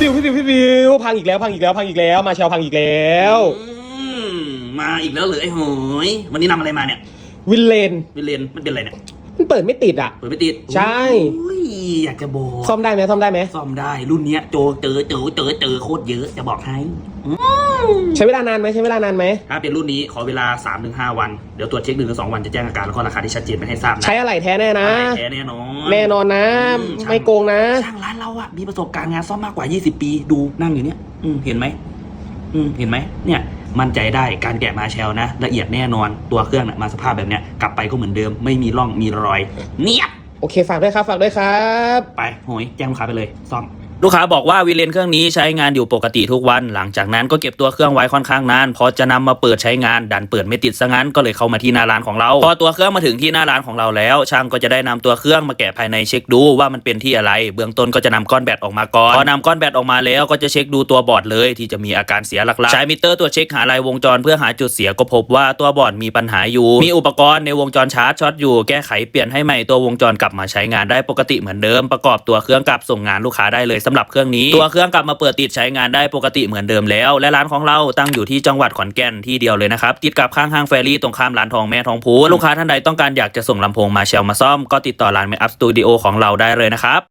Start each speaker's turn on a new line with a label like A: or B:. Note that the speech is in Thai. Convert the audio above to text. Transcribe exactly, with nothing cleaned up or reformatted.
A: บิวพี่บิวพี่บิวพังอีกแล้วพังอีกแล้วพังอีกแล้วมาเชลพังอีกแล้ว
B: มาอีกแล้วเหรอไอ้หอยวันนี้นำอะไรมาเนี่ย
A: วินเลน
B: วินเลนมันเป็นอะไรเนี่ย
A: มันเปิดไม่ติดอ่ะ
B: เปิดไม่ติด
A: ใช่
B: อยากจะบอก
A: ซ่อมได้ไหมซ่อมได้ไหม
B: ซ่อมได้รุ่นเนี้ยโจเจอเจอเจอเจอโคตรเยอะจะบอกให้
A: ใช้เวลานานไหมใช้เวลานานไหม
B: ถ้าเป็นรุ่นนี้ขอเวลา สามถึงห้า วันเดี๋ยวตรวจเช็คหนึ่งถึงสองวันจะแจ้งอาการแล้วก็ราคาที่ชัดเจนไปให้ทราบนะ
A: ใช้อะไรแท้แน่นะ
B: แท้แน่นอน
A: แน่นอนนะไม่โกงนะ
B: ช่างร้านเราอะมีประสบการณ์งานซ่อมมากกว่ายี่สิบปีดูนั่งอยู่เนี้ยอืมเห็นไหมอืมเห็นไหมเนี่ยมั่นใจได้การแกะมาเชลนะละเอียดแน่นอนตัวเครื่องนะมาสภาพแบบเนี้ยกลับไปก็เหมือนเดิมไม่มีร่องมีรอยเนียบ
A: โอเคฝากด้วยครับฝากด้วยครับ
B: ไปโหยแจ้งลูกค้าไปเลยซ่อมลูกค้าบอกว่าวินเลนเครื่องนี้ใช้งานอยู่ปกติทุกวันหลังจากนั้นก็เก็บตัวเครื่องไว้ค่อนข้างนานพอจะนำมาเปิดใช้งานดันเปิดไม่ติดซะงั้นก็เลยเข้ามาที่หน้าร้านของเราพอตัวเครื่องมาถึงที่หน้าร้านของเราแล้วช่างก็จะได้นำตัวเครื่องมาแกะภายในเช็คดูว่ามันเป็นที่อะไรเบื้องต้นก็จะนำก้อนแบตออกมาก่อนพอนำก้อนแบตออกมาแล้วก็จะเช็คดูตัวบอร์ดเลยที่จะมีอาการเสียหลักๆใช้มิเตอร์ตัวเช็คหาลายวงจรเพื่อหาจุดเสียก็พบว่าตัวบอร์ดมีปัญหาอยู่มีอุปกรณ์ในวงจรชาร์จช็อตอยู่แก้ไขเปลี่ยนให้ใหม่ตัววงจรกลับมาใช้งานได้ปกติเหมือนเดิมประกอบตัวเครื่องกลับส่งงานลูกค้าได้เลยสำหรับเครื่องนี้ตัวเครื่องกลับมาเปิดติดใช้งานได้ปกติเหมือนเดิมแล้วและร้านของเราตั้งอยู่ที่จังหวัดขอนแก่นที่เดียวเลยนะครับติดกับข้างห้างแฟรี่ตรงข้ามร้านทองแม่ทองพูนลูกค้าท่านใดต้องการอยากจะส่งลำโพงมาเชลมาซ่อมก็ติดต่อร้านเมคอัพสตูดิโอของเราได้เลยนะครับ